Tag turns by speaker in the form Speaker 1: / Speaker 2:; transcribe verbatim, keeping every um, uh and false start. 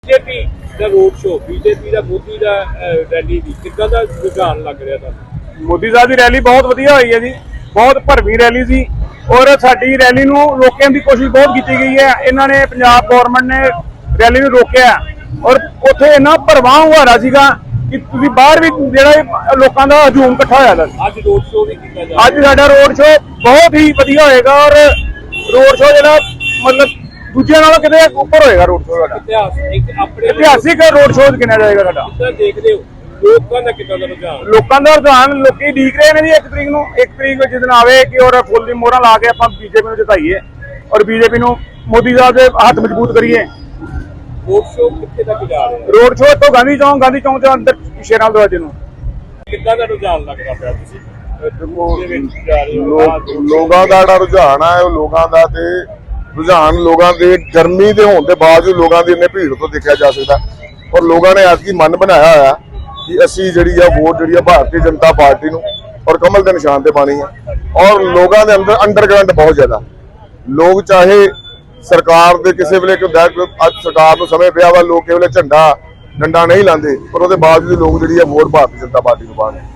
Speaker 1: BJP का road show BJP का मोदी का रैली की कितना का रुझान लग रहा था?
Speaker 2: मोदी साहब की रैली बहुत वधिया हुई है जी, बहुत भरवी रैली सी और साडी रैली नूं रोकण की कोशिश बहुत की गई है। इन्होंने पंजाब गौरमेंट ने रैली नूं रोकिया और उत्थे इन्ना भरवां हुआरा सीगा कि तुसीं बाहर भी जिहड़ा लोकां दा हजूम इकट्ठा होया था।
Speaker 1: आज रोड शो भी किया जा
Speaker 2: अज साडा रोड शो बहुत ही वधिया होएगा और रोड शो जिहड़ा मतलब दूजे नालों किते उपर होएगा। रोड शो साडा
Speaker 1: इतिहास एक अपने
Speaker 2: इतिहासिक रोड शो गिणिया जाएगा साडा।
Speaker 1: कितना देखते हो लोगों का कितना रुझान?
Speaker 2: लोगों का रुझान लोकी उਡੀਕ रहे हैं जी एक तरीक नूं एक तरीक जिस दिन आवे कि और फुल दी मोहरां ला के आपां बीजेपी नूं जिताईए और बीजेपी नूं मोदी साहब दे हाथ मजबूत करिए।
Speaker 1: रोड शो कितने तक जा रहे हैं?
Speaker 2: रोड शो तो गांधी चौक गांधी चौक के अंदर शेरां दरवाजे नूं
Speaker 1: कितना का रुझान लग रहा है तुसीं
Speaker 3: ਲੋਕਾਂ ਦਾ ਜਿਹੜਾ ਰੁਝਾਨ ਹੈ ਉਹ ਲੋਕਾਂ ਦਾ ਤੇ ਰੁਝਾਨ ਲੋਕਾਂ ਦੇ ਗਰਮੀ ਦੇ ਹੋਣ ਦੇ ਬਾਵਜੂਦ ਲੋਕਾਂ ਦੀ ਇੰਨੇ ਭੀੜ ਤੋਂ ਦੇਖਿਆ ਜਾ ਸਕਦਾ ਔਰ ਲੋਕਾਂ ਨੇ ਅੱਜ ਕੀ ਮਨ ਬਣਾਇਆ ਹੋਇਆ ਕਿ ਅਸੀਂ ਜਿਹੜੀ ਆ ਵੋਟ ਜਿਹੜੀ ਆ ਭਾਰਤੀ ਜਨਤਾ ਪਾਰਟੀ ਨੂੰ ਔਰ ਕਮਲ ਦੇ ਨਿਸ਼ਾਨ ਤੇ ਪਾਣੀ ਹੈ। ਔਰ ਲੋਕਾਂ ਦੇ ਅੰਦਰ ਅੰਡਰਗਰਾਉਂਡ ਬਹੁਤ ਜ਼ਿਆਦਾ ਲੋਕ ਚਾਹੇ ਸਰਕਾਰ ਦੇ ਕਿਸੇ ਵੇਲੇ ਅੱਜ ਸਰਕਾਰ ਨੂੰ ਸਮੇਂ ਪਿਆ ਵਾ ਲੋਕ ਕਿਸੇ ਵੇਲੇ ਝੰਡਾ ਡੰਡਾ ਨਹੀਂ ਲਾਉਂਦੇ ਪਰ ਉਹਦੇ ਬਾਵਜੂਦ ਲੋਕ ਜਿਹੜੀ ਆ ਵੋਟ ਭਾਰਤੀ ਜਨਤਾ ਪਾਰਟੀ ਨੂੰ ਪਾਉਣ।